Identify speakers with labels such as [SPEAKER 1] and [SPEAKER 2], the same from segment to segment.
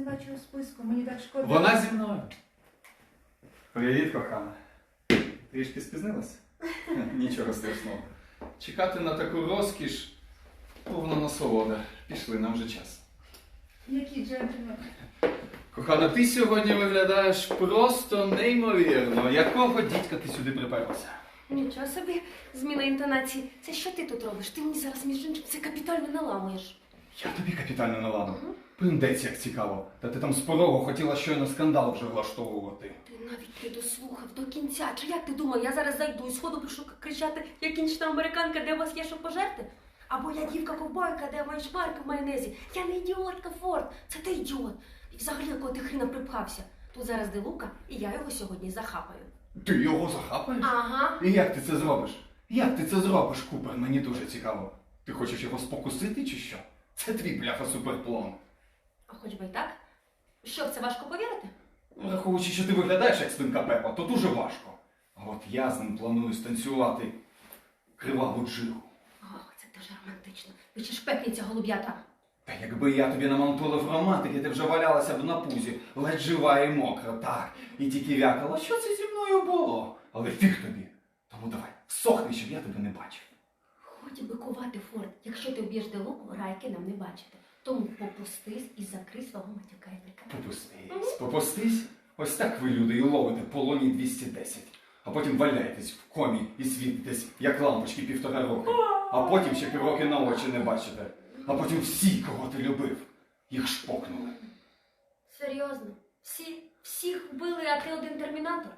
[SPEAKER 1] бачу у списку, мені так шкода.
[SPEAKER 2] Вона зі мною. Привіт, кохана. Трішки спізнилась? Нічого страшного. Чекати на таку розкіш повна насолода. Пішли, нам вже час.
[SPEAKER 1] Які джентльмени.
[SPEAKER 2] Кохана, ти сьогодні виглядаєш просто неймовірно. Якого дідька ти сюди приперлася?
[SPEAKER 3] Нічого собі, зміна інтонації. Це що ти тут робиш? Ти мені зараз, між іншим, це капітально наламуєш.
[SPEAKER 2] Я тобі капітально наладив. Приндець, як цікаво. Та ти там з порогу хотіла щойно скандал вже влаштовувати.
[SPEAKER 3] Ти навіть не дослухав до кінця. Чи як ти думав, я зараз зайду і сходу пишу кричати, я кінчна американка, де у вас є що пожерти? Або я дівка-ковбойка, де маєш шмарки в майонезі. Я не ідіотка, Форд, це ти ідіот. І взагалі, якого ти хріна припхався. Тут зараз де Лука, і я його сьогодні захапаю.
[SPEAKER 2] Ти його захапаєш?
[SPEAKER 3] Ага.
[SPEAKER 2] І як ти це зробиш? Як ти це зробиш, Купер? Мені дуже цікаво. Ти хочеш його спокусити чи що? Це твій бляха суперплан.
[SPEAKER 3] А хоч би й так. Що, в це важко повірити?
[SPEAKER 2] Враховуючи, що ти виглядаєш як свинка Пепа, то дуже важко. А от я з ним планую станцювати криваву джигу.
[SPEAKER 3] Ох, це дуже романтично. Ви чи шпекниця голуб'ята?
[SPEAKER 2] Та якби я тобі намонтулив романтики, ти вже валялася б на пузі, ледь жива і мокра, так. І тільки вякала, що це зі мною було? Але фіг тобі. Тому давай, всохни, щоб я тебе не бачив.
[SPEAKER 3] Хоч би кувати, Форд. Якщо ти вб'єш де Луку, райки нам не бачити. Тому попустись і закрий свого матюка язика.
[SPEAKER 2] Попустись. Ось так ви, люди, і ловите полоні 210. А потім валяєтесь в комі і світитесь, як лампочки 1,5 роки. А потім ще півроки на очі не бачите. А потім всі, кого ти любив, їх шпокнули.
[SPEAKER 3] Серйозно? Всіх вбили, а ти один термінатор?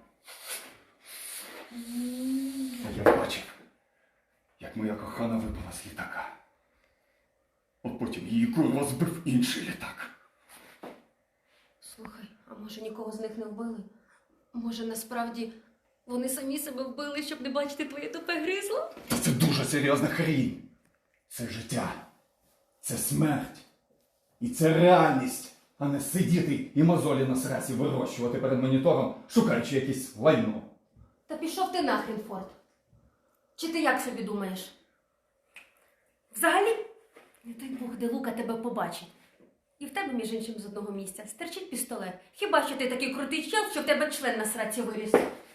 [SPEAKER 2] А я бачив, як моя кохана випала з літака. А потім її курва збив інший літак.
[SPEAKER 3] Слухай, а може нікого з них не вбили? Може насправді вони самі себе вбили, щоб не бачити твоє тупе гризло?
[SPEAKER 2] Це дуже серйозна хрінь. Це життя. Це смерть. І це реальність, а не сидіти і мозолі на срасі вирощувати перед монітором, шукаючи якесь лайно.
[SPEAKER 3] Та пішов ти нахрен, Форд. Чи ти як собі думаєш? Взагалі, не дай Бог, де Лука тебе побачить. І в тебе, між іншим, з одного місця стерчить пістолет. Хіба що ти такий крутий чел, що в тебе член на сраці виріс?